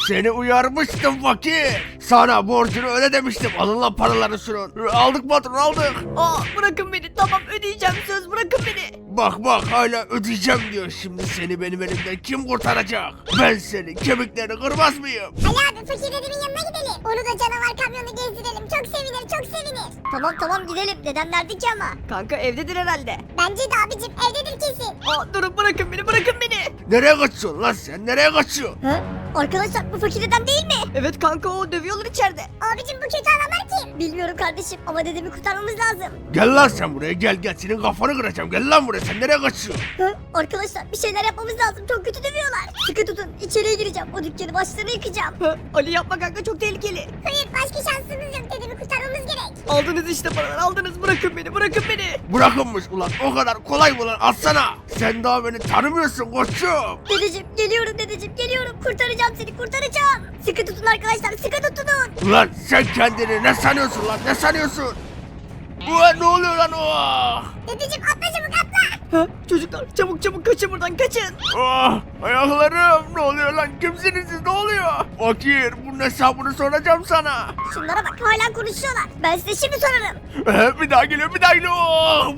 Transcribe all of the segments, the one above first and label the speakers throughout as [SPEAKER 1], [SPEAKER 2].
[SPEAKER 1] Seni uyarmıştım fakir. Sana borcunu öde demiştim. Alın lan paralarını şunun. Aldık patron aldık.
[SPEAKER 2] Aa, bırakın beni, tamam ödeyeceğim, söz, bırakın beni.
[SPEAKER 1] Bak hala ödeyeceğim diyor. Şimdi seni benim elimden kim kurtaracak? Ben senin kemiklerini kırmaz mıyım?
[SPEAKER 3] Ali abi fakir dedemin yanına gidelim. Onu da canavar kamyonu gezdirelim. Çok sevinir çok sevinir.
[SPEAKER 4] Tamam gidelim. Dedem nerede ki ama?
[SPEAKER 2] Kanka evdedir herhalde.
[SPEAKER 3] Bence de abicim evdedir kesin.
[SPEAKER 2] Aa, durun, bırakın beni.
[SPEAKER 1] Nereye kaçıyorsun lan sen? Nereye kaçıyorsun?
[SPEAKER 4] Hı? Arkadaşlar bu fakir dedem değil mi?
[SPEAKER 2] Evet kanka, o dövüyorlar içeride.
[SPEAKER 3] Abicim bu kötü adamlar kim?
[SPEAKER 4] Bilmiyorum kardeşim ama dedemi kurtarmamız lazım.
[SPEAKER 1] Gel lan sen buraya gel. Senin kafanı kıracağım. Gel lan buraya. Sen nereye kaçıyorsun?
[SPEAKER 4] Hı? Arkadaşlar bir şeyler yapmamız lazım. Çok kötü dövüyorlar. Sıkı tutun. İçeriye gireceğim. O dükkanı başlarına yıkacağım.
[SPEAKER 2] Hı, Ali yapma kanka, çok tehlikeli.
[SPEAKER 3] Hayır başka şansımız yok. Dedemi kurtarmamız gerek.
[SPEAKER 2] Aldınız işte paraları, aldınız, bırakın beni.
[SPEAKER 1] Bırakınmış ulan. O kadar kolay mı lan? Atsana. Sen daha beni tanımıyorsun koçum.
[SPEAKER 4] Dedeciğim geliyorum. Kurtaracağım seni kurtaracağım. Sıkı tutun arkadaşlar sıkı tutun.
[SPEAKER 1] Ulan sen kendini ne sanıyorsun lan? Ne sanıyorsun? Ulan ne oluyor lan o?
[SPEAKER 3] Dedeciğim atla çabuk atla.
[SPEAKER 2] Hı, çocuklar çabuk kaçın buradan, kaçın.
[SPEAKER 1] Ah, ayaklarım. Ne oluyor lan? Kimsiniz siz? Ne oluyor? Fakir, bunun hesabını soracağım sana.
[SPEAKER 4] Şunlara bak hala konuşuyorlar. Ben size şimdi sorarım.
[SPEAKER 1] Bir daha geliyor. Oh,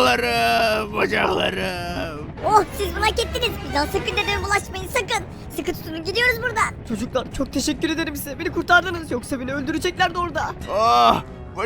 [SPEAKER 1] bacaklarım.
[SPEAKER 4] Oh siz bunu hak ettiniz. Bir daha sakın dedeme bulaşmayın sakın. Sıkı tutunun gidiyoruz buradan.
[SPEAKER 2] Çocuklar çok teşekkür ederim size, beni kurtardınız, yoksa beni öldüreceklerdi orada.
[SPEAKER 1] Ah,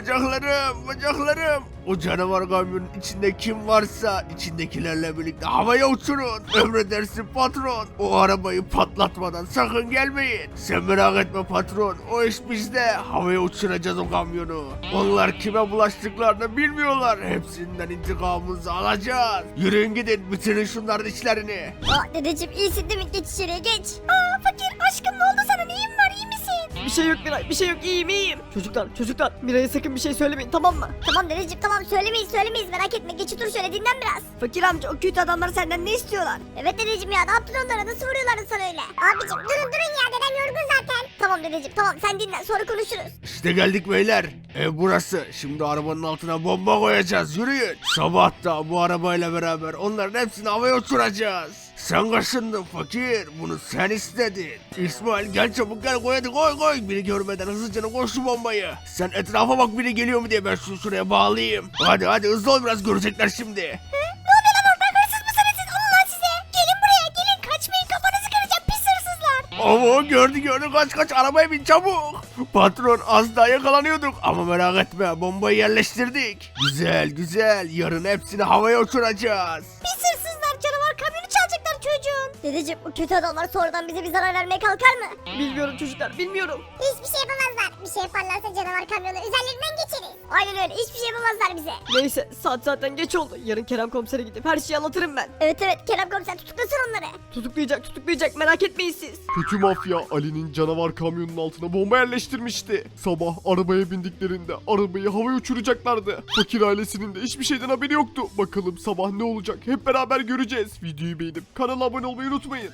[SPEAKER 1] bacaklarım. O canavar kamyonun içinde kim varsa içindekilerle birlikte havaya uçurun. Emredersin patron. O arabayı patlatmadan sakın gelmeyin. Sen merak etme patron. O iş bizde. Havaya uçuracağız o kamyonu. Onlar kime bulaştıklarını bilmiyorlar. Hepsinden intikamımızı alacağız. Yürüyün gidin, bitirin şunların işlerini.
[SPEAKER 4] Aa dedeciğim iyisin değil mi? Geç içeriye geç.
[SPEAKER 3] Aa fakir aşkım ne oldu sana neyin var iyi misin?
[SPEAKER 2] Bir şey yok Miray, bir şey yok, iyiyim. Çocuklar Miray'a sakın bir şey söylemeyin, tamam mı?
[SPEAKER 4] Tamam dedeciğim tamam söylemeyiz merak etme. Geç otur şöyle dinlen biraz.
[SPEAKER 2] Fakir amca, o kötü adamlar senden ne istiyorlar?
[SPEAKER 4] Evet dedeciğim ya ne yaptın onlara nasıl vuruyorlardı sana öyle?
[SPEAKER 3] Abicim durun ya dedem yorgun zaten.
[SPEAKER 4] Tamam dedeciğim tamam sen dinlen sonra konuşuruz.
[SPEAKER 1] İşte geldik beyler. Ev burası. Şimdi arabanın altına bomba koyacağız. Yürüyün. Sabah da bu arabayla beraber onların hepsini havaya uçuracağız. Sen kaşındın fakir. Bunu sen istedin. İsmail gel çabuk gel koy hadi koy. Biri görmeden hızlıca koy şu bombayı. Sen etrafa bak biri geliyor mu diye ben şunu şuraya bağlayayım. Hadi hızlı ol biraz görecekler şimdi.
[SPEAKER 3] Ne oluyor lan orada hırsız mısınız siz alın lan size. Gelin buraya gelin kaçmayın kafanızı kıracağım pis hırsızlar.
[SPEAKER 1] Oo gördü kaç arabaya bin çabuk. Patron az daha yakalanıyorduk ama merak etme bombayı yerleştirdik. Güzel yarın hepsini havaya uçuracağız.
[SPEAKER 3] Pis hırsızlar canavar kamyonu çalacaklar çocuğun.
[SPEAKER 4] Dedeciğim bu kötü adamlar sonradan bize bir zarar vermeye kalkar mı?
[SPEAKER 2] Bilmiyorum çocuklar, bilmiyorum.
[SPEAKER 3] Hiçbir şey yapamazlar. Bir şey yaparlarsa canavar kamyonu üzerlerinden geçeriz.
[SPEAKER 4] Aynen öyle hiçbir şey yapamazlar bize.
[SPEAKER 2] Neyse, saat zaten geç oldu. Yarın Kerem komisere gidip her şeyi anlatırım ben.
[SPEAKER 4] Evet Kerem komiser tutuklasın onları.
[SPEAKER 2] Tutuklayacak, merak etmeyin siz.
[SPEAKER 5] Kötü mafya Ali'nin canavar kamyonunun altına bomba yerleştirmişti. Sabah arabaya bindiklerinde arabayı havaya uçuracaklardı. Fakir ailesinin de hiçbir şeyden haberi yoktu. Bakalım sabah ne olacak hep beraber göreceğiz. Videoyu beğenip kanala abone olmayı unutmayın.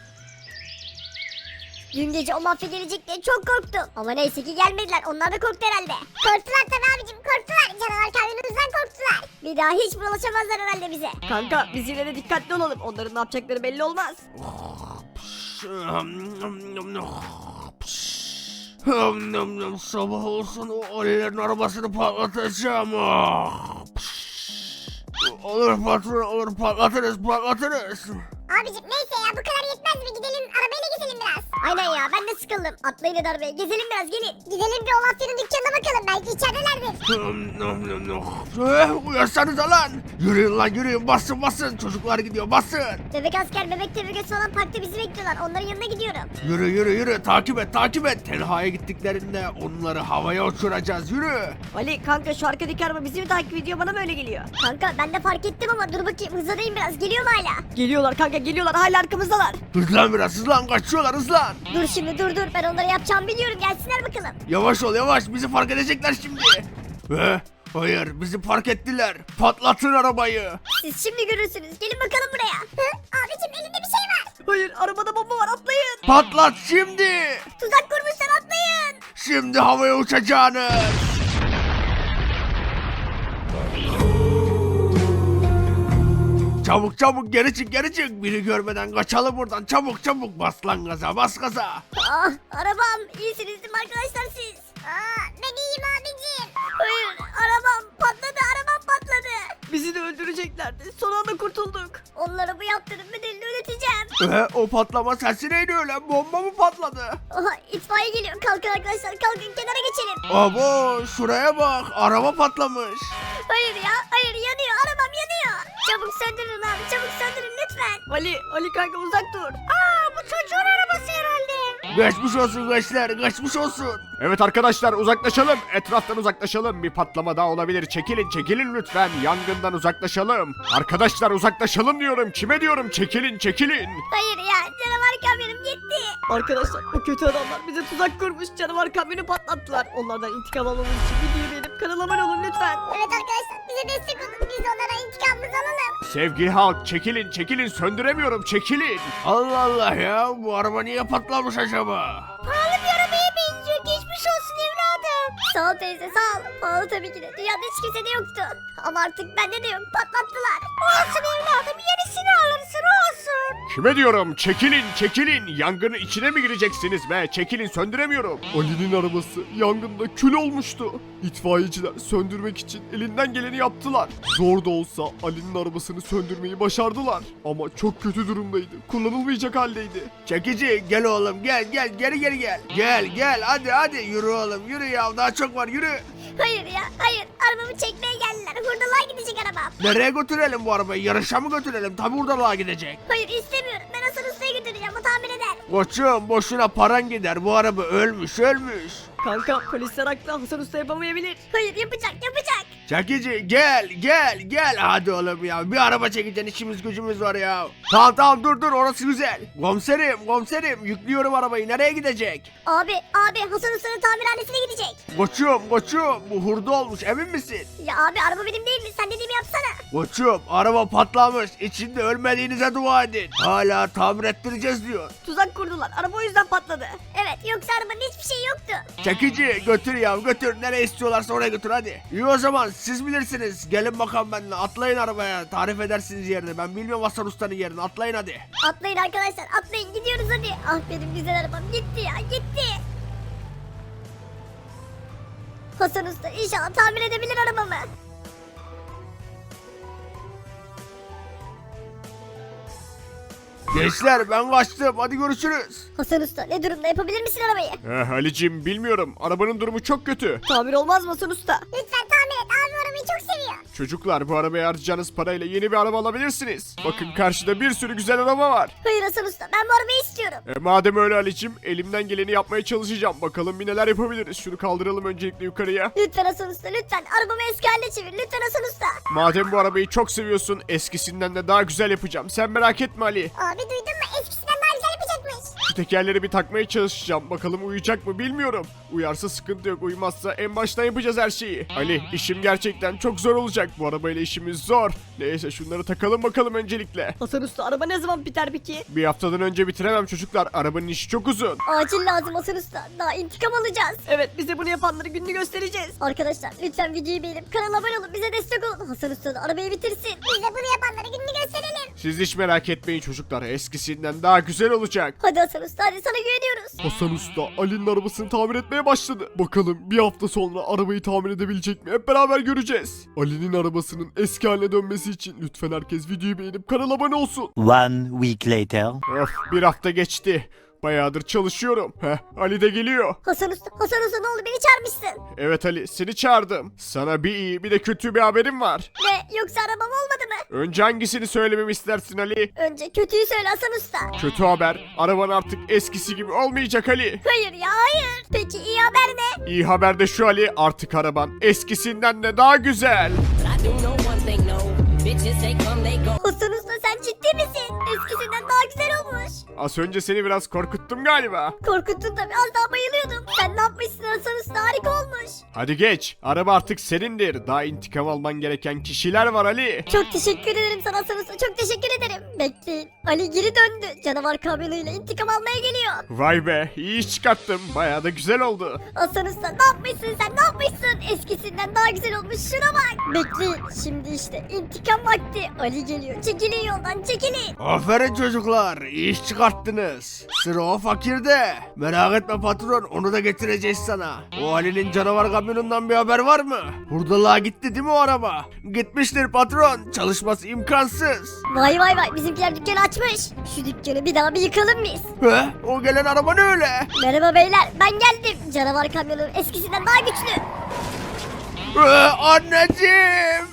[SPEAKER 4] Dün gece o mafya gelecek diye çok korktum. Ama neyse ki gelmediler onlar da korktu herhalde.
[SPEAKER 3] Korktular tabii abicim korktular. Canavar kamyonumuzdan korktular.
[SPEAKER 4] Bir daha hiç bulaşamazlar herhalde bize.
[SPEAKER 2] Kanka biz yine de dikkatli olalım. Onların ne yapacakları belli olmaz.
[SPEAKER 1] Sabah olsun o Ali'lerin arabasını patlatacağım. Olur patron olur patlatırız.
[SPEAKER 3] Abicim neyse ya bu kadar yetmez mi? Gidelim arabayla gezelim biraz.
[SPEAKER 4] Aynen ya ben de sıkıldım. Atlayın hadi arabaya gezelim biraz gelin.
[SPEAKER 3] Gidelim bir o mafyanın dükkanına bakalım. Belki içeridelerdir.
[SPEAKER 1] Uyansanıza lan. Yürüyün basın. Çocuklar gidiyor basın.
[SPEAKER 4] Bebek asker bebek tebrik falan parkta bizi bekliyorlar. Onların yanına gidiyorum.
[SPEAKER 1] Yürü takip et. Tenha'ya gittiklerinde onları havaya uçuracağız yürü.
[SPEAKER 2] Ali kanka şu arkadaki araba bizi mi takip ediyor, bana mı öyle geliyor?
[SPEAKER 4] Kanka ben de fark ettim ama dur bakayım hızlanayım biraz. Geliyor mu hala?
[SPEAKER 2] Geliyorlar kanka, geliyorlar, hala arkamızdalar.
[SPEAKER 1] Hızlan biraz kaçıyorlar hızlan.
[SPEAKER 4] Dur şimdi dur ben onları yapacağımı biliyorum gelsinler bakalım.
[SPEAKER 1] Yavaş ol bizi fark edecekler şimdi. Hayır bizi fark ettiler. Patlatın arabayı.
[SPEAKER 4] Siz şimdi görürsünüz gelin bakalım buraya.
[SPEAKER 3] Abicim elinde bir şey var.
[SPEAKER 2] Hayır, arabada bomba var, atlayın.
[SPEAKER 1] Patlat şimdi.
[SPEAKER 4] Tuzak kurmuşlar atlayın.
[SPEAKER 1] Şimdi havaya uçacağınız. Çabuk çabuk geri çık geri çık. Biri görmeden kaçalım buradan. Çabuk çabuk bas lan gaza bas gaza.
[SPEAKER 4] Ah arabam iyisiniz değil mi arkadaşlar siz?
[SPEAKER 3] Ben iyiyim abicim.
[SPEAKER 4] Hayır arabam patladı
[SPEAKER 2] Bizi de öldüreceklerdi. Son anda kurtulduk.
[SPEAKER 4] Onlara bu yaptığının bedelini ödeteceğim.
[SPEAKER 1] O patlama sesi neydi öyle? Bomba mı patladı?
[SPEAKER 4] Aha itfaiye geliyor kalkın arkadaşlar kalkın kenara geçelim.
[SPEAKER 1] Abo şuraya bak araba patlamış.
[SPEAKER 4] Hayır ya hayır yanıyor arabam yanıyor. Çabuk söndürün abi çabuk söndürün lütfen.
[SPEAKER 2] Ali kanka uzak dur.
[SPEAKER 3] Bu çocuğun arabası herhalde.
[SPEAKER 1] Geçmiş olsun gençler geçmiş olsun.
[SPEAKER 5] Evet arkadaşlar uzaklaşalım. Etraftan uzaklaşalım. Bir patlama daha olabilir. Çekilin lütfen. Yangından uzaklaşalım. Arkadaşlar uzaklaşalım diyorum. Kime diyorum? Çekilin.
[SPEAKER 4] Hayır ya canavar kamyonum gitti.
[SPEAKER 2] Arkadaşlar o kötü adamlar bize tuzak kurmuş. Canavar kamyonu patlattılar. Onlardan intikam almamız için videoyu beğenip kanala abone olun lütfen.
[SPEAKER 3] Evet arkadaşlar bize destek olun. Biz onlara intikamımızı alalım.
[SPEAKER 5] Sevgili halk çekilin. Söndüremiyorum. Çekilin.
[SPEAKER 1] Allah Allah ya bu araba niye patlamış acaba?
[SPEAKER 3] Pahalı bir arabaya benziyor. Geçmiş olsun evladım.
[SPEAKER 4] Sağ ol teyze sağ ol. Pahalı tabii ki de dünyada hiç kimse de yoktu. Ama artık bende de yok patlattılar.
[SPEAKER 3] Olsun evladım. Yenisini alırsın olsun.
[SPEAKER 5] Kime diyorum? Çekilin. Yangının içine mi gireceksiniz be? Çekilin söndüremiyorum. Ali'nin arabası yangında kül olmuştu. İtfaiyeciler söndürmek için elinden geleni yaptılar. Zor da olsa Ali'nin arabasını söndürmeyi başardılar. Ama çok kötü durumdaydı. Kullanılmayacak haldeydi.
[SPEAKER 1] Çekici gel oğlum gel geri gel. Gel hadi yürü oğlum yürü ya daha çok var yürü.
[SPEAKER 4] Hayır ya hayır arabamı çekmeye geldiler. Hurdalığa gidecek arabam.
[SPEAKER 1] Nereye götürelim bu arabayı yarışa mı götürelim tabi hurdalığa gidecek.
[SPEAKER 4] Hayır istemiyorum ben Hasan Usta'ya götüreceğim o tamir eder.
[SPEAKER 1] Koçum boşuna paran gider bu araba ölmüş.
[SPEAKER 2] Kanka polisler haklı. Hasan Usta yapamayabilir.
[SPEAKER 4] Hayır yapacak.
[SPEAKER 1] Çekici gel hadi oğlum ya bir araba çekeceksin işimiz gücümüz var ya. Tamam dur orası güzel. Komiserim yüklüyorum arabayı nereye gidecek?
[SPEAKER 4] Abi Hasan Usta'nın tamirhanesine gidecek.
[SPEAKER 1] Koçum bu hurda olmuş emin misin?
[SPEAKER 4] Ya abi araba benim değil mi? Sen dediğimi yapsana.
[SPEAKER 1] Koçum araba patlamış içinde ölmediğinize dua edin. Hala tamir ettireceğiz diyor.
[SPEAKER 2] Tuzak kurdular. Araba o yüzden patladı.
[SPEAKER 4] Evet yoksa arabanın hiçbir şey yoktu.
[SPEAKER 1] Çekici götür nereye istiyorlarsa oraya götür hadi. İyi o zaman siz bilirsiniz gelin bakalım benimle atlayın arabaya tarif edersiniz yerini ben bilmiyorum Hasan Usta'nın yerini atlayın hadi.
[SPEAKER 4] Atlayın arkadaşlar atlayın gidiyoruz hadi. Ah benim güzel arabam gitti ya gitti. Hasan Usta inşallah tamir edebilir arabamı.
[SPEAKER 1] Gençler ben kaçtım hadi görüşürüz.
[SPEAKER 4] Hasan Usta ne durumda yapabilir misin arabayı?
[SPEAKER 5] Ali'cim bilmiyorum. Arabanın durumu çok kötü.
[SPEAKER 2] Tamir olmaz mı Hasan Usta?
[SPEAKER 3] Lütfen tamir et. Abim arabayı çok seviyor.
[SPEAKER 5] Çocuklar bu arabaya harcayacağınız parayla yeni bir araba alabilirsiniz. Bakın karşıda bir sürü güzel araba var.
[SPEAKER 4] Hayır Hasan Usta ben bu arabayı istiyorum.
[SPEAKER 5] Madem öyle Ali'cim elimden geleni yapmaya çalışacağım. Bakalım bir neler yapabiliriz. Şunu kaldıralım öncelikle yukarıya.
[SPEAKER 4] Lütfen Hasan Usta lütfen arabamı eski haline çevir lütfen Hasan Usta.
[SPEAKER 5] Madem bu arabayı çok seviyorsun eskisinden de daha güzel yapacağım. Sen merak etme Ali.
[SPEAKER 3] Abi duydun mu? Eskisinden daha güzel yapacakmış.
[SPEAKER 5] Şu tekerleri bir takmaya çalışacağım. Bakalım uyuyacak mı bilmiyorum. Uyarsa sıkıntı yok. Uyumazsa en baştan yapacağız her şeyi. Ali işim gerçekten çok zor olacak. Bu arabayla işimiz zor. Neyse şunları takalım bakalım öncelikle.
[SPEAKER 2] Hasan Usta araba ne zaman biter peki?
[SPEAKER 5] Bir haftadan önce bitiremem çocuklar. Arabanın işi çok uzun.
[SPEAKER 4] Acil lazım Hasan Usta daha intikam alacağız.
[SPEAKER 2] Evet bize bunu yapanları gününü göstereceğiz.
[SPEAKER 4] Arkadaşlar lütfen videoyu beğenip kanala abone olun bize destek olun. Hasan Usta da arabayı bitirsin.
[SPEAKER 3] Biz de bunu yapanlara gününü gösterelim.
[SPEAKER 5] Siz hiç merak etmeyin çocuklar. Eskisinden daha güzel olacak.
[SPEAKER 4] Hadi Hasan Usta hadi sana güveniyoruz.
[SPEAKER 5] Hasan Usta Ali'nin arabasını tamir etmeye başladı. Bakalım bir hafta sonra arabayı tamir edebilecek mi? Hep beraber göreceğiz. Ali'nin arabasının eski haline dönmesi için lütfen herkes videoyu beğenip kanala abone olsun.
[SPEAKER 6] One week later.
[SPEAKER 5] Öf bir hafta geçti. Bayağıdır çalışıyorum. Ali de geliyor.
[SPEAKER 4] Hasan Usta ne oldu beni çağırmışsın.
[SPEAKER 5] Evet Ali seni çağırdım. Sana bir iyi bir de kötü bir haberim var.
[SPEAKER 4] Ne yoksa arabam olmadı mı?
[SPEAKER 5] Önce hangisini söylememi istersin Ali?
[SPEAKER 4] Önce kötüyü söyle Hasan Usta.
[SPEAKER 5] Kötü haber. Araban artık eskisi gibi olmayacak Ali.
[SPEAKER 4] Hayır ya hayır. Peki iyi haber ne?
[SPEAKER 5] İyi haber de şu Ali artık araban eskisinden de daha güzel.
[SPEAKER 7] I do know one thing, no. Bitches, they come, they go.
[SPEAKER 4] Hasan Usta sen ciddi misin? Eskisinden daha güzel olmuş.
[SPEAKER 5] Az önce seni biraz korkuttum galiba.
[SPEAKER 4] Korkuttun tabii, az daha bayılıyordum. Sen ne yapmışsın Hasan Usta, harika olmuş.
[SPEAKER 5] Hadi geç. Araba artık senindir. Daha intikam alman gereken kişiler var Ali.
[SPEAKER 4] Çok teşekkür ederim sana Hasan Usta, çok teşekkür ederim. Bekleyin, Ali geri döndü. Canavar kamyonuyla intikam almaya geliyor.
[SPEAKER 5] Vay be, iyi iş çıkarttım. Bayağı da güzel oldu.
[SPEAKER 4] Hasan Usta ne yapmışsın sen, ne yapmışsın? Eskisinden daha güzel olmuş, şuna bak. Bekleyin, şimdi işte intikam vakti. Ali geliyor, çekilin yoldan, çekilin.
[SPEAKER 1] Aferin çocuklar, iyi iş çıkarttınız. Sıra o fakirde. Merak etme patron, onu da getireceğiz sana. O Ali'nin canavar kamyonundan bir haber var mı? Hurdalığa gitti değil mi o araba? Gitmiştir patron, çalışması imkansız.
[SPEAKER 4] Vay vay vay, bizimkiler dükkanı açmış. Şu dükkanı bir daha bir yıkalım biz.
[SPEAKER 1] He? O gelen araba ne öyle?
[SPEAKER 4] Merhaba beyler, ben geldim. Canavar kamyonu eskisinden daha güçlü.
[SPEAKER 1] Anneciğim!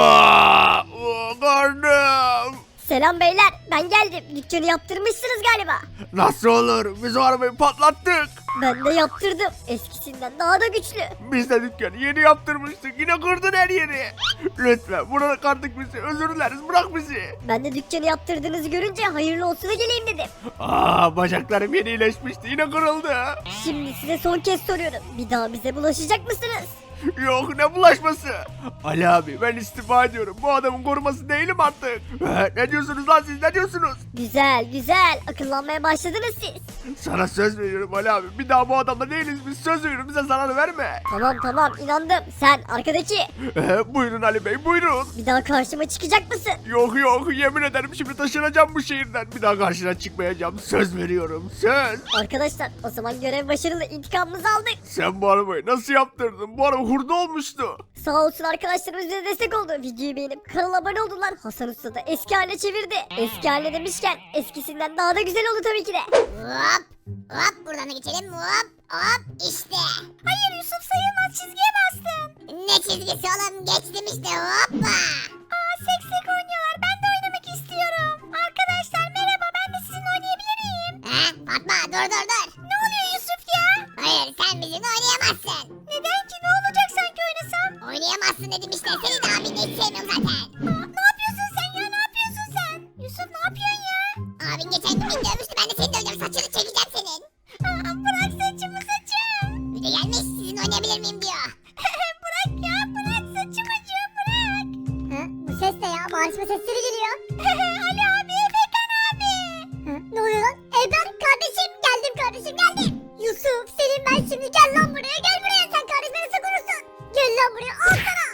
[SPEAKER 1] Karnım!
[SPEAKER 4] Selam beyler, ben geldim. Dükkanı yaptırmışsınız galiba.
[SPEAKER 1] Nasıl olur? Biz o arabayı patlattık.
[SPEAKER 4] Ben de yaptırdım. Eskisinden daha da güçlü.
[SPEAKER 1] Biz de dükkanı yeni yaptırmıştık. Yine kırdın her yeri. Lütfen burada kardık bizi. Özür dileriz. Bırak bizi.
[SPEAKER 4] Ben de dükkanı yaptırdığınızı görünce hayırlı olsuna geleyim dedim.
[SPEAKER 1] Bacaklarım yeni iyileşmişti. Yine kırıldı.
[SPEAKER 4] Şimdi size son kez soruyorum. Bir daha bize bulaşacak mısınız?
[SPEAKER 1] Yok, ne bulaşması? Ali abi, ben istifa ediyorum. Bu adamın koruması değilim artık. Ne diyorsunuz lan siz, ne diyorsunuz?
[SPEAKER 4] Güzel güzel. Akıllanmaya başladınız siz.
[SPEAKER 1] Sana söz veriyorum Ali abi. Bir daha bu adamla değiliz biz. Söz veriyorum, bize zarar verme.
[SPEAKER 4] Tamam tamam, inandım. Sen arkadaki.
[SPEAKER 1] Buyurun Ali Bey, buyurun.
[SPEAKER 4] Bir daha karşıma çıkacak mısın?
[SPEAKER 1] Yok yok, yemin ederim şimdi taşınacağım bu şehirden. Bir daha karşına çıkmayacağım. Söz veriyorum, söz.
[SPEAKER 4] Arkadaşlar, o zaman görev başarılı, intikamımızı aldık.
[SPEAKER 1] Sen bu arabayı nasıl yaptırdın? Bu araba hurda olmuştu.
[SPEAKER 4] Sağ olsun arkadaşlarımız bize destek oldu. Videoyu beğenip kanala abone oldular. Hasan Usta da eski haline çevirdi. Eski haline demişken eskisinden daha da güzel oldu tabii ki de.
[SPEAKER 3] Hop. Hop buradan da geçelim. Hop. Hop işte. Hayır Yusuf, sayılmaz, çizgiye bastın. Ne çizgisi oğlum, geçtim işte, hoppa. Seksek oynuyorlar, ben de oynamak istiyorum. Arkadaşlar merhaba, ben de sizinle oynayabilir miyim? Fatma dur. Ne oluyor Yusuf ya? Hayır, sen bizimle oynayamazsın. Neden ki, ne olacak sanki oynasam? Oynayamazsın dedim işte, senin abini hiç sevmiyorum zaten. Ne yapıyorsun sen ya, ne yapıyorsun sen? Yusuf ne yapıyorsun ya? Abin geçen gün beni dövmüştü, ben de seni döveceğim, saçını çekeceğim senin. Bırak saçımı, saçım. Bir de gelmiş sizin oynayabilir miyim diyor. Bırak ya, bırak saçımı, bırak. Bu ses ne ya, bağırışma sesleri geliyor. Ali abi, Efekan abi. Ne oluyor lan? Ebrar kardeşim, geldim kardeşim, geldim. Yusuf, senin ben şimdi, gel lan buraya, gel buraya, sen kardeşime nasıl konuşsun? Gel lan buraya, al sana.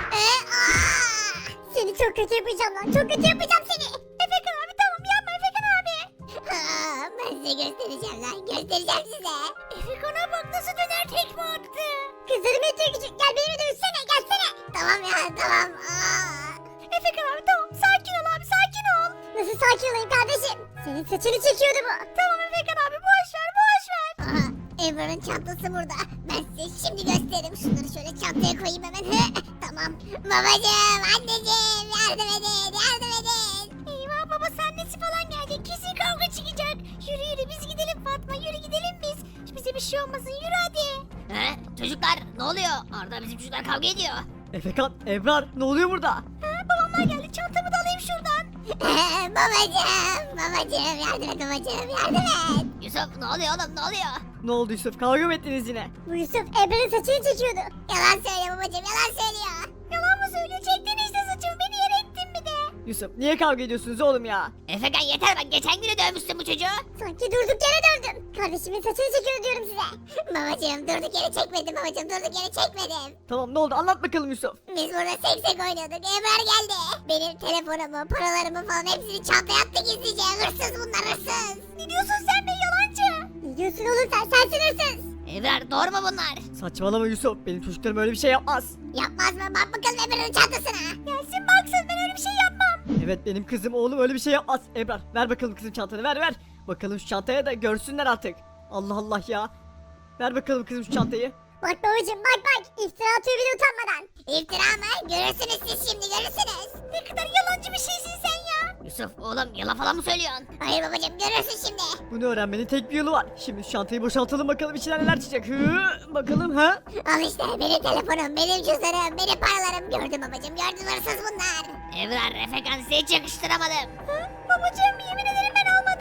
[SPEAKER 3] Seni çok kötü yapacağım lan, çok kötü yapacağım seni. Efekan abi tamam, yapma Efekan abi. Ben size göstereceğim lan, göstereceğim size. Efekan'a bak nasıl döner tekme attı. Kızlarım yetiyor küçük, gel beni dövsene, gelsene. Tamam ya, tamam. Efekan abi tamam, sakin ol abi, sakin ol. Nasıl sakin olayım kardeşim? Senin saçını çekiyordu bu. Tamam Efekan abi, boş ver. Aha, Ebrar'ın çantası burada. Ben size şimdi gösteririm. Şunları şöyle çantaya koyayım hemen. Tamam. Babacığım, anneciğim, yardım edin. Eyvah, babası annesi falan gelecek. Kesin kavga çıkacak. Yürü biz gidelim Fatma, yürü gidelim biz. Bize bir şey olmasın, yürü hadi.
[SPEAKER 6] Çocuklar ne oluyor? Arda bizim çocuklar kavga ediyor.
[SPEAKER 2] Efekan, Ebrar, ne oluyor burada?
[SPEAKER 3] Babamlar geldi, çantamı da alayım şuradan. babacığım, yardım et babacığım, yardım et.
[SPEAKER 6] Yusuf ne oluyor oğlum, ne oluyor?
[SPEAKER 2] Ne oldu Yusuf, kavga mı ettiniz yine?
[SPEAKER 3] Bu Yusuf Ebrar'ın saçını çekiyordu. Yalan söylüyor babacığım, yalan söylüyor. Yalan mı söylüyor? Çektin işte saçımı, beni yere ettin bir de.
[SPEAKER 2] Yusuf, niye kavga ediyorsunuz oğlum ya?
[SPEAKER 6] Efekan yeter, bak geçen gün de dövmüşsün bu çocuğu.
[SPEAKER 3] Sanki durduk yere dövdüm. Kardeşimin saçını çekiyor diyorum size. Babacığım durduk yere çekmedim babacığım, durduk yere çekmedim.
[SPEAKER 2] Tamam, ne oldu, anlat bakalım Yusuf.
[SPEAKER 3] Biz burada seksek oynuyorduk, Ebrar geldi. Benim telefonumu, paralarımı falan hepsini çantaya attı gizlice. Hırsız bunlar, hırsız. Ne diyorsun sen be, yalancı? Ne diyorsun oğlum sen, sensin hırsız.
[SPEAKER 6] Ebrar doğru mu bunlar?
[SPEAKER 2] Saçmalama Yusuf, benim çocuklarım öyle bir şey yapmaz.
[SPEAKER 3] Yapmaz mı? Bak bakalım Ebrar'ın çantasına. Gelsin baksın, ben öyle bir şey yapmam.
[SPEAKER 2] Evet, benim kızım oğlum öyle bir şey yapmaz. Ebrar, ver bakalım kızım çantanı, ver. Bakalım şu çantaya da görsünler artık. Allah Allah ya. Ver bakalım kızım şu çantayı.
[SPEAKER 3] Bak babacığım, bak iftira atıyor bile utanmadan. İftira mı? Görürsünüz siz şimdi, görürsünüz. Ne kadar yalancı bir şeysin sen ya.
[SPEAKER 6] Yusuf oğlum yalan falan mı söylüyorsun?
[SPEAKER 3] Hayır babacığım, görürsün şimdi.
[SPEAKER 2] Bunu öğrenmenin tek bir yolu var. Şimdi şu çantayı boşaltalım bakalım içinden neler çıkacak. Bakalım ha?
[SPEAKER 3] Al işte benim telefonum, benim cüzdanım, benim paralarım. Gördüm babacığım, gördüm, hırsız bunlar.
[SPEAKER 6] Ebrar, Efekan size hiç yakıştıramadım.
[SPEAKER 3] Babacığım yemin ederim ben almadım.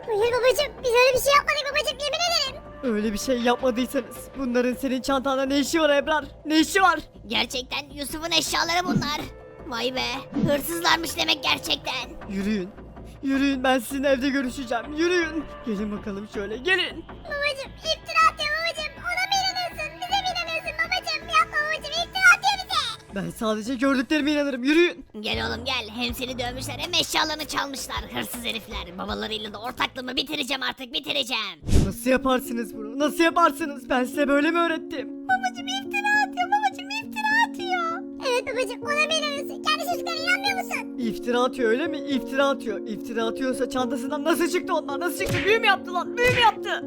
[SPEAKER 3] Hayır babacım biz öyle bir şey yapmadık babacım yemin ederim.
[SPEAKER 2] Öyle bir şey yapmadıysanız bunların senin çantanda ne işi var Ebrar? Ne işi var?
[SPEAKER 6] Gerçekten Yusuf'un eşyaları bunlar. Vay be. Hırsızlarmış demek gerçekten.
[SPEAKER 2] Yürüyün. Yürüyün, ben sizinle evde görüşeceğim. Yürüyün. Gelin bakalım şöyle, gelin.
[SPEAKER 3] Babacım iftira atıyor babacım. Ona mı inanıyorsun? Bize mi inanıyorsun babacım? Yapma babacım iftira atıyor bize.
[SPEAKER 2] Ben sadece gördüklerime inanırım. Yürüyün.
[SPEAKER 6] Gel oğlum gel. Hem seni dövmüşler hem eşyalarını çalmışlar. Hırsız herifler. Babalarıyla da ortaklığımı bitireceğim artık bitireceğim.
[SPEAKER 2] Nasıl yaparsınız bunu? Nasıl yaparsınız? Ben size böyle mi öğrettim?
[SPEAKER 3] Babacım iftira atıyor babacım iftira atıyor. Evet babacım ona mı inanıyorsun? Kendi çocuklarına inanmıyor musun?
[SPEAKER 2] İftira atıyor öyle mi? İftira atıyor. İftira atıyorsa çantasından nasıl çıktı onlar? Nasıl çıktı? Büyü mü yaptı lan? Büyü mü yaptı?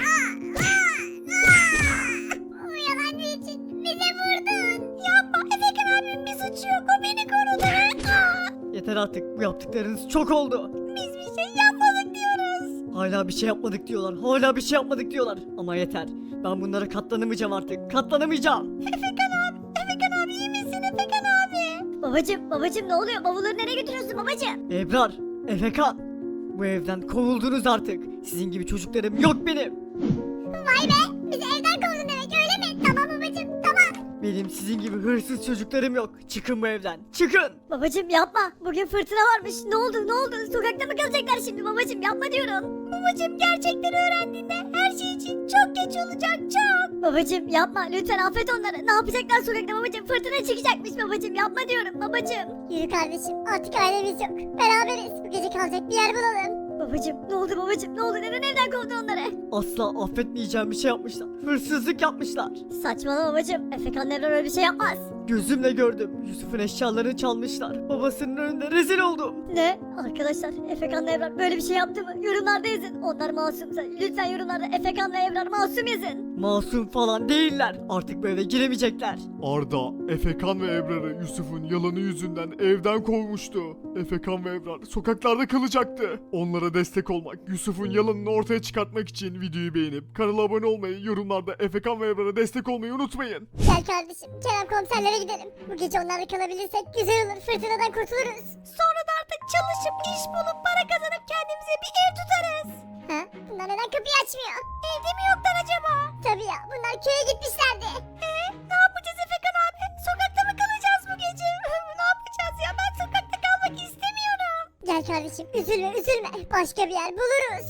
[SPEAKER 3] O yalancı için bize vurdun. Yapma Efekan abim bir suçu yok o beni korudu.
[SPEAKER 2] Yeter artık. Bu yaptıklarınız çok oldu.
[SPEAKER 3] Biz bir şey yapmadık diyoruz.
[SPEAKER 2] Hala bir şey yapmadık diyorlar. Hala bir şey yapmadık diyorlar. Ama yeter. Ben bunlara katlanamayacağım artık. Katlanamayacağım.
[SPEAKER 3] Efekan abi iyi misin Efekan abi?
[SPEAKER 4] Babacım ne oluyor? Bavulları nereye götürüyorsun babacım?
[SPEAKER 2] Ebrar, Efekan. Bu evden kovuldunuz artık. Sizin gibi çocuklarım yok benim.
[SPEAKER 3] Vay be bizi evden kovdun demek öyle mi? Tamam babacım tamam.
[SPEAKER 2] Benim sizin gibi hırsız çocuklarım yok. Çıkın bu evden. Çıkın.
[SPEAKER 4] Babacım yapma. Bugün fırtına varmış. Ne oldu? Ne oldu? Sokakta mı kalacaklar şimdi babacım? Yapma diyorum.
[SPEAKER 3] Babacım gerçekleri öğrendiğinde her şey için çok geç olacak çok.
[SPEAKER 4] Babacım yapma. Lütfen affet onları. Ne yapacaklar sokakta babacım? Fırtına çıkacakmış babacım. Yapma diyorum babacım.
[SPEAKER 3] Yürü kardeşim artık ailemiz yok. Beraberiz bu gece kalacak bir yer bulalım.
[SPEAKER 4] Babacım ne oldu babacım? Ne oldu? Neden evden kovdun onları?
[SPEAKER 2] Asla affetmeyeceğim bir şey yapmışlar. Hırsızlık yapmışlar.
[SPEAKER 4] Saçmalama babacım. Efekan Evren öyle bir şey yapmaz.
[SPEAKER 2] Gözümle gördüm. Yusuf'un eşyalarını çalmışlar. Babasının önünde rezil oldum.
[SPEAKER 4] Ne? Arkadaşlar Efekan Evren böyle bir şey yaptı mı? Yorumlarda yazın. Onlar masumsa lütfen yorumlarda Efekan ve Evren masum yazın.
[SPEAKER 2] Masum falan değiller. Artık bu eve giremeyecekler.
[SPEAKER 5] Arda, Efekan ve Ebrar'ı Yusuf'un yalanı yüzünden evden kovmuştu. Efekan ve Ebrar sokaklarda kalacaktı. Onlara destek olmak, Yusuf'un yalanını ortaya çıkartmak için videoyu beğenip kanala abone olmayı, yorumlarda Efekan ve Ebrar'a destek olmayı unutmayın.
[SPEAKER 3] Gel kardeşim Kerem komiserlere gidelim. Bu gece onlarla kalabilirsek güzel olur fırtınadan kurtuluruz. Sonra da artık çalışıp iş bulup para kazanıp kendimize bir ev tutarız. Ha? Bunlar neden kapıyı açmıyor? Evde mi yoklar acaba? Tabii ya bunlar köye gitmişlerdi. Ne yapacağız Efekan abi? Sokakta mı kalacağız bu gece? Ne yapacağız ya ben sokakta kalmak istemiyorum. Gel kardeşim üzülme üzülme başka bir yer buluruz.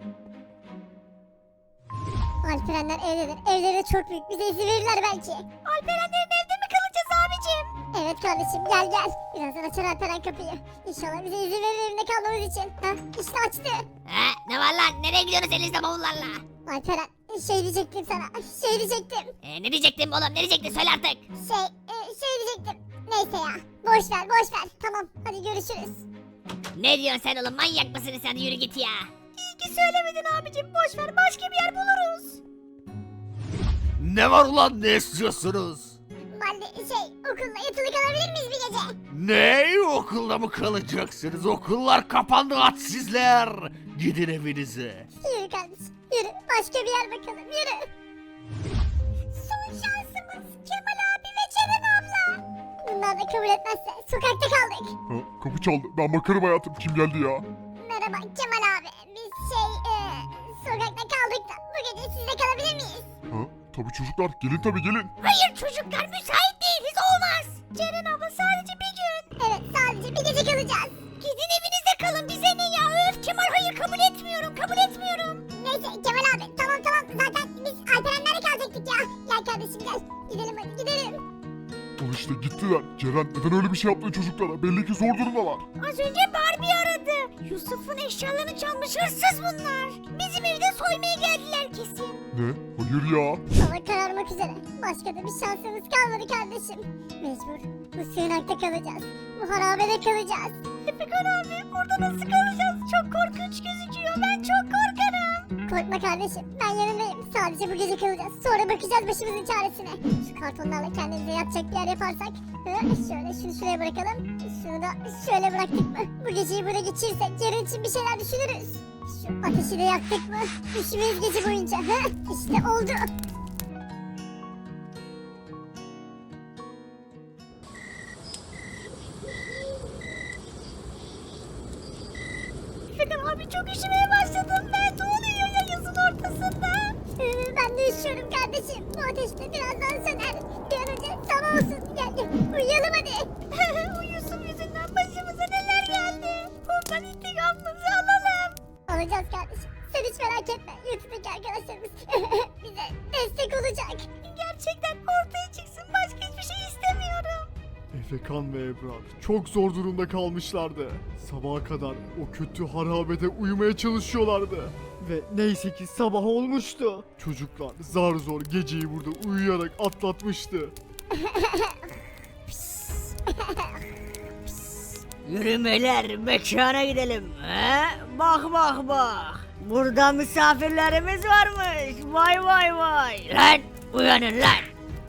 [SPEAKER 3] Alperenler evdedir. Evleri de çok büyük. Bize izin verirler belki. Alperenlerin evde mi kalacağız abicim? Evet kardeşim gel gel. Birazdan açar Alperen kapıyı. İnşallah bize izin verir evinde kalmamız için. Ha işte açtı.
[SPEAKER 6] He ne var lan? Nereye gidiyorsunuz elinizde bavullarla?
[SPEAKER 3] Alperen şey diyecektim sana. Şey diyecektim.
[SPEAKER 6] Ne diyecektim oğlum? Ne diyecektin? Söyle artık.
[SPEAKER 3] Şey diyecektim. Neyse ya. Boş ver boş ver. Tamam hadi görüşürüz.
[SPEAKER 6] Ne diyorsun sen oğlum? Manyak mısın sen? Yürü git ya.
[SPEAKER 3] İyi ki söylemedin abicim. Boş ver başka bir yer buluruz.
[SPEAKER 1] Ne var ulan ne istiyorsunuz?
[SPEAKER 3] Valide okulda yatılı kalabilir miyiz bir gece?
[SPEAKER 1] Ne? Okulda mı kalacaksınız? Okullar kapandı hadsizler. Gidin evinize.
[SPEAKER 3] Yürü kardeşim yürü. Başka bir yer bakalım yürü. Son şansımız Kemal abi ve Ceren abla. Bunlar da kabul etmezse sokakta kaldık.
[SPEAKER 5] Ha, kapı çaldı. Ben bakarım hayatım. Kim geldi ya?
[SPEAKER 3] Merhaba Kemal abi. Biz sokakta kaldık da bu gece sizde kalabilir miyiz?
[SPEAKER 5] Ha, tabii çocuklar. Gelin tabii gelin.
[SPEAKER 3] Hayır çocuklar müsait değiliz olmaz. Ceren abla sadece bir gün. Evet sadece bir gece kalacağız. Gidin evinizde kalın bize ne ya öf Kemal hayır kabul etmiyorum kabul etmiyorum. Neyse Kemal abi tamam zaten biz Alperenlerle kalacaktık ya. Gel kardeşim gel gidelim hadi gidelim.
[SPEAKER 5] Al işte gittiler. Ceren neden öyle bir şey yaptın çocuklara? Belli ki zor durumdalar.
[SPEAKER 3] Az önce Barbie aradı. Yusuf'un eşyalarını çalmış hırsız bunlar. Bizim evde soymaya geldiler kesin.
[SPEAKER 5] Ne? Hayır ya.
[SPEAKER 3] Hava kararmak üzere. Başka da bir şansımız kalmadı kardeşim. Mecbur bu sığınakta kalacağız. Bu harabede kalacağız. Efekan abi burada nasıl kalacağız? Çok korkunç gözüküyor. Ben çok korkarım. Korkma kardeşim. Ben yanındayım. Sadece bu gece kalacağız. Sonra bakacağız başımızın çaresine. Şu kartonlarla kendimize yatacak bir yer yaparsak. Şöyle şunu şuraya bırakalım. Şunu da şöyle bıraktık mı? Bu geceyi burada geçirirsek yarın için bir şeyler düşünürüz. Şu ateşi de yaktık mı? Üşümeyiz gece boyunca. İşte oldu. Efekan abi çok üşümeye başladım. üşüyorum kardeşim. Bu ateş de birazdan söner. Bir an önce sabah olsun. Gel uyuyalım hadi.
[SPEAKER 4] Bu Yusuf yüzünden başımıza neler geldi. Ondan intikamımızı alalım.
[SPEAKER 3] Alacağız kardeşim. Sen hiç merak etme. YouTube'daki arkadaşlarımız bize destek olacak.
[SPEAKER 4] Gerçekten ortaya çıksın. Başka hiçbir şey istemiyorum.
[SPEAKER 5] Efekan ve Ebrar çok zor durumda kalmışlardı. Sabaha kadar o kötü harabede uyumaya çalışıyorlardı. Ve neyse ki sabah olmuştu. Çocuklar zar zor geceyi burada uyuyarak atlatmıştı.
[SPEAKER 2] Yürümeler mekana gidelim. He? Bak bak bak. Burada misafirlerimiz varmış. Vay vay vay. Lan uyanın lan.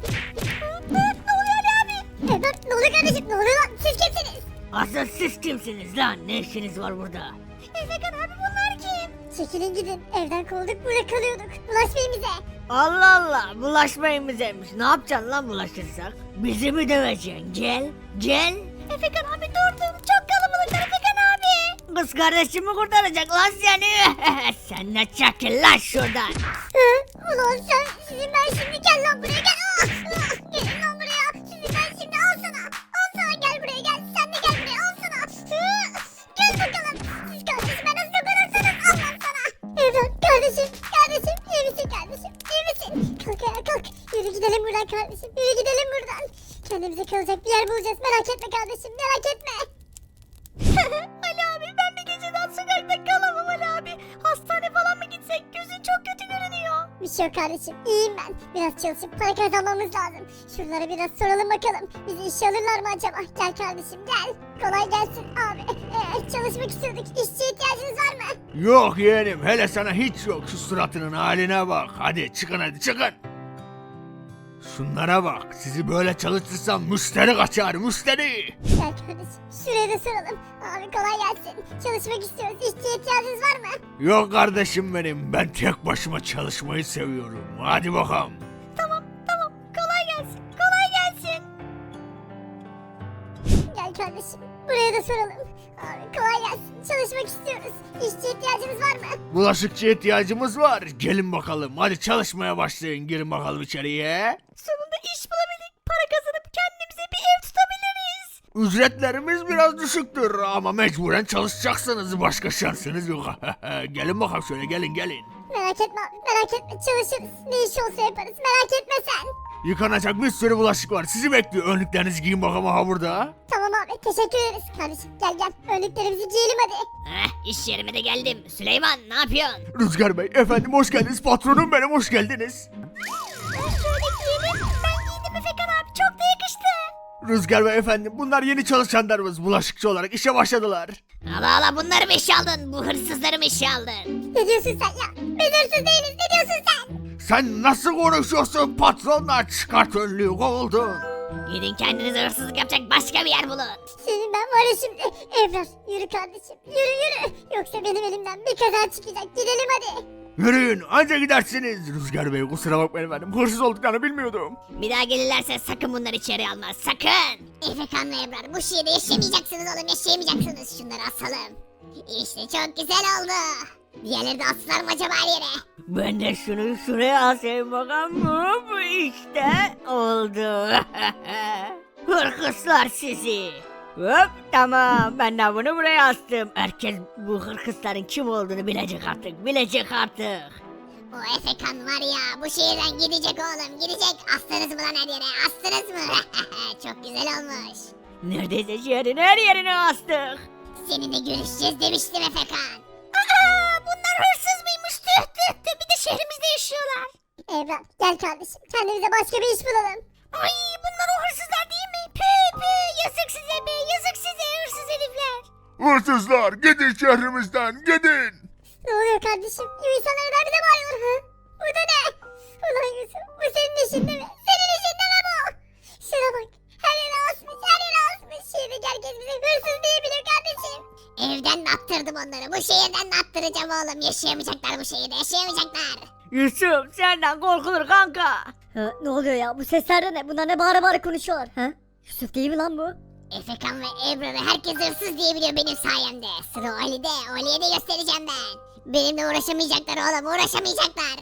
[SPEAKER 3] Ebrar ne oluyor kardeşim? Ne oluyor lan? Siz kimsiniz?
[SPEAKER 2] Asıl siz kimsiniz lan? Ne işiniz var burada?
[SPEAKER 3] Efekan abi bunlar kim? Çekilin gidin. Evden kovulduk burada kalıyorduk. Bulaşmayın bize.
[SPEAKER 2] Allah Allah bulaşmayın bizeymiş. Ne yapacaksın lan bulaşırsak? Bizi mi döveceksin? Gel. Gel.
[SPEAKER 3] Efekan abi durdum. Çok kalabalıklar Efekan abi.
[SPEAKER 2] Kız kardeşimi kurtaracak lan seni. Sen de çekil lan şuradan.
[SPEAKER 3] Ulan sizin ben şimdi gel lan buraya gel. Gelin lan buraya. Sizin ben şimdi al sana. Al sana gel buraya gel. Sen de gel buraya al sana. Gel bakalım. Siz kardeşim ben nasıl dokunursanız al lan sana. Evlat kardeşim. Kardeşim iyi misin kardeşim? İyi misin? Kalk ayağa kalk. Yürü gidelim buradan kardeşim. Yürü gidelim buradan. Kendimize kalacak bir yer bulacağız. Merak etme kardeşim. Merak etme.
[SPEAKER 4] Ali abi ben bir geceden sokakta kalamam Ali abi. Hastane falan mı gitsek? Gözün çok kötü görünüyor.
[SPEAKER 3] Bir şey yok kardeşim. İyiyim ben. Biraz çalışıp para kazanmamız lazım. Şuralara biraz soralım bakalım. Bizi işe alırlar mı acaba? Gel kardeşim gel. Kolay gelsin abi. Çalışmak istiyorduk. İşçi ihtiyacınız var mı?
[SPEAKER 1] Yok yeğenim hele sana hiç yok şu suratının haline bak. Hadi çıkın hadi çıkın. Şunlara bak sizi böyle çalıştırsam müşteri kaçar müşteri.
[SPEAKER 3] Gel kardeşim. Şuraya da soralım. Abi kolay gelsin. Çalışmak istiyoruz. İşçi ihtiyacınız var mı?
[SPEAKER 1] Yok kardeşim benim ben tek başıma çalışmayı seviyorum. Hadi bakalım.
[SPEAKER 4] Tamam kolay gelsin. Kolay gelsin.
[SPEAKER 3] Gel kardeşim. Buraya da soralım. Abi kolay gelsin. Çalışmak istiyoruz. İşçi ihtiyacınız var mı?
[SPEAKER 1] Bulaşıkçıya ihtiyacımız var. Gelin bakalım hadi çalışmaya başlayın. Girin bakalım içeriye.
[SPEAKER 4] Sonunda iş bulabildik. Para kazanıp kendimize bir ev tutabiliriz.
[SPEAKER 1] Ücretlerimiz biraz düşüktür ama mecburen çalışacaksınız. Başka şansınız yok. Gelin bakalım şöyle gelin.
[SPEAKER 3] Merak etme abi. Merak etme. Çalışırız. Ne iş olsa yaparız. Merak etme sen.
[SPEAKER 1] Yıkanacak bir sürü bulaşık var. Sizi bekliyor. Önlüklerinizi giyin bakalım aha burada.
[SPEAKER 3] Tamam abi. Teşekkür ederiz. Kardeşim gel. Önlüklerimizi giyelim hadi.
[SPEAKER 6] İş yerime de geldim. Süleyman ne yapıyorsun?
[SPEAKER 1] Rüzgar Bey efendim hoş geldiniz. Patronum benim hoş geldiniz.
[SPEAKER 3] Şöyle giyelim. Ben giydim Efekan abi. Çok da yakıştı.
[SPEAKER 1] Rüzgar Bey efendim bunlar yeni çalışanlarımız. Bulaşıkçı olarak işe başladılar.
[SPEAKER 6] Allah bunları mı işe aldın? Bu hırsızları mı işe aldın?
[SPEAKER 3] Ne diyorsun sen ya? Biz hırsız değiliz. Ne diyorsun sen?
[SPEAKER 1] Sen nasıl konuşuyorsun patronla? Çıkart önlüğü kovuldun.
[SPEAKER 6] Gidin kendinize hırsızlık yapacak başka bir yer bulun.
[SPEAKER 3] Senin ben var ya şimdi. Evrar yürü kardeşim. Yürü. Yoksa benim elimden bir kaza çıkacak. Gidelim hadi.
[SPEAKER 1] Yürüyün anca gidersiniz. Rüzgar Bey kusura bakmayın efendim. Hırsız olduklarını bilmiyordum.
[SPEAKER 6] Bir daha gelirlerse sakın bunları içeri alma sakın.
[SPEAKER 3] Efekan ve Ebrar bu şehirde yaşayamayacaksınız oğlum. Yaşayamayacaksınız. Şunları asalım. İşte çok güzel oldu. Diğerleri de astılar mı acaba her yere?
[SPEAKER 2] Ben de şunu şuraya asayım bakalım. Bu işte oldu. Hırkızlar sizi. Hop tamam ben de bunu buraya astım. Herkes bu hırkızların kim olduğunu bilecek artık.
[SPEAKER 3] O Efekan var ya bu şehirden gidecek oğlum. Gidecek. Astınız mı lan her yere? Astınız mı? Çok güzel olmuş.
[SPEAKER 2] Neredeyse şehrin her yerine astık.
[SPEAKER 3] Seninle görüşeceğiz demiştim Efekan.
[SPEAKER 4] Bunlar hırsız mıymış? Tüh. Bir de şehrimizde yaşıyorlar.
[SPEAKER 3] Ebrar gel kardeşim. Kendimize başka bir iş bulalım.
[SPEAKER 4] Ay bunlar o hırsızlar değil mi? Yazık size be. Yazık size hırsız herifler.
[SPEAKER 1] Hırsızlar gidin şehrimizden gidin.
[SPEAKER 3] Ne oluyor kardeşim? İnsanlar neden bize bağırıyor? Ha? Bu da ne? Ulan Yusuf bu senin işinde mi? Senin işinde mi bu? Şuna bak. Her yere asmış. Şehirdeki herkes bize hırsız diyebilir kardeşim. Evden de attırdım onları. Bu şehirden de attıracağım oğlum. Yaşayamayacaklar bu şehirde. Yaşayamayacaklar.
[SPEAKER 2] Yusuf senden korkulur kanka.
[SPEAKER 4] Ha, ne oluyor ya? Bu sesler de ne? Bunlar ne bağıra konuşuyorlar? Ha? Yusuf değil mi lan bu?
[SPEAKER 3] Efekan ve Ebrar'ı herkes hırsız diyebiliyor benim sayemde. Sıra Ali'de. Ali'ye de göstereceğim ben. Benimle uğraşamayacaklar oğlum. Uğraşamayacaklar.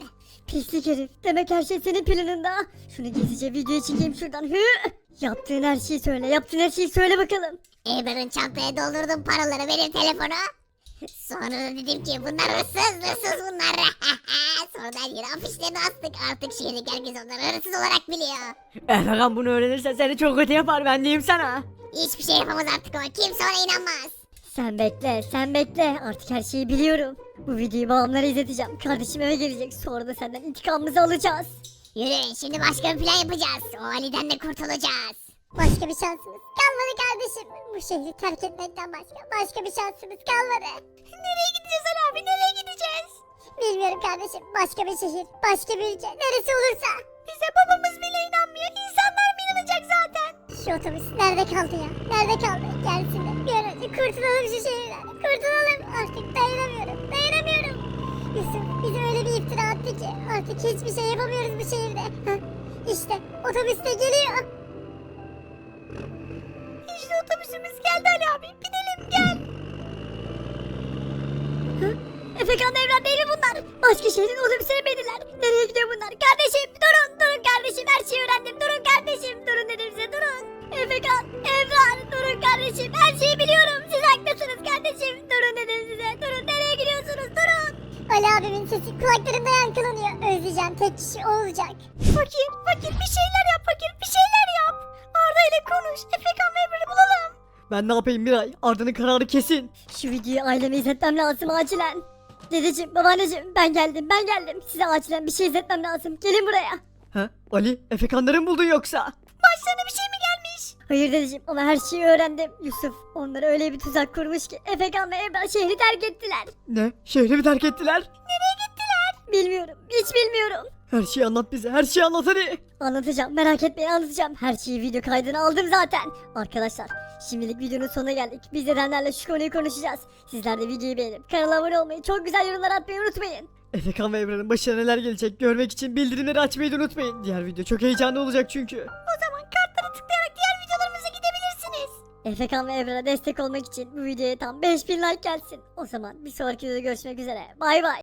[SPEAKER 4] Pislik herif. Demek her şey senin planında. Şunu gizlice videoya çekeyim şuradan. Hı! Yaptığın her şeyi söyle. Yaptığın her şeyi söyle bakalım.
[SPEAKER 3] Amber'ın çantaya doldurdum paraları benim telefona. Sonra da dedim ki bunlar hırsız bunlar. Sonra da her yere afişlerini astık. Artık şehirdeki herkes onları hırsız olarak biliyor.
[SPEAKER 2] Efekan bunu öğrenirse seni çok kötü yapar ben diyeyim sana.
[SPEAKER 3] Hiçbir şey yapamaz artık ama kimse ona inanmaz.
[SPEAKER 4] Sen bekle, sen bekle. Artık her şeyi biliyorum. Bu videoyu babamlara izleteceğim. Kardeşim eve gelecek. Sonra da senden intikamımızı alacağız.
[SPEAKER 3] Yürüyün şimdi başka bir plan yapacağız. O Ali'den de kurtulacağız. Başka bir şansımız kalmadı kardeşim. Bu şehri terk etmekten başka bir şansımız kalmadı. Nereye gideceğiz Ali abi, nereye gideceğiz? Bilmiyorum kardeşim. Başka bir şehir, başka bir ülke, neresi olursa. Bize babamız bile inanmıyor. İnsanlar mı inanacak zaten? Şu otobüs nerede kaldı ya? Nerede kaldı? Gelsin de bir an önce kurtulalım şu şehirden. Kurtulalım. Artık dayanamıyorum. Yusuf bize öyle bir iftira attı ki artık hiçbir şey yapamıyoruz bu şehirde. Hah, İşte otobüs de geliyor. İşte otobüsümüz geldi Ali abi. Binelim gel.
[SPEAKER 4] Efekan evlat değil mi bunlar? Başka şehrin otobüsüne bindiler. Nereye gidiyor bunlar? Kardeşim durun kardeşim her şeyi öğrendim. Durun kardeşim durun dedim size durun. Efekan, Evran durun kardeşim her şeyi biliyorum. Siz haklısınız kardeşim. Durun dedim size. Durun nereye gidiyorsunuz durun.
[SPEAKER 3] Ali abimin sesi kulaklarımda yankılanıyor. Özleyeceğim tek kişi o olacak.
[SPEAKER 4] Fakir bir şeyler yap fakir bir şeyler yap. Arda ile konuş. Efekan ve Evren'i bulalım.
[SPEAKER 2] Ben ne yapayım Miray? Arda'nın kararı kesin.
[SPEAKER 4] Şu videoyu aileme izletmem lazım acilen. Dedeciğim, babaanneciğim ben geldim. Size acilen bir şey izletmem lazım. Gelin buraya.
[SPEAKER 2] Ha? Ali, Efekanları mı buldun yoksa?
[SPEAKER 4] Başlarına bir şey mi gelmiş? Hayır dedeciğim ama her şeyi öğrendim. Yusuf onlara öyle bir tuzak kurmuş ki Efekan ve Ebrar şehri terk ettiler.
[SPEAKER 2] Ne? Şehri mi terk ettiler?
[SPEAKER 4] Bilmiyorum, hiç bilmiyorum.
[SPEAKER 2] Her şeyi anlat bize, her şeyi anlat hadi.
[SPEAKER 4] Anlatacağım, merak etmeyin anlatacağım. Her şeyi video kaydını aldım zaten. Arkadaşlar, şimdilik videonun sonuna geldik. Biz dedenlerle şu konuyu konuşacağız. Sizler de videoyu beğenip kanala abone olmayı, çok güzel yorumlar atmayı unutmayın.
[SPEAKER 2] Efekan ve Emre'nin başına neler gelecek görmek için bildirimleri açmayı da unutmayın. Diğer video çok heyecanlı olacak çünkü.
[SPEAKER 4] O zaman kartlara tıklayarak diğer videolarımıza gidebilirsiniz. Efekan ve Evra'ya destek olmak için bu videoya tam 5000 like gelsin. O zaman bir sonraki videoda görüşmek üzere. Bay bay.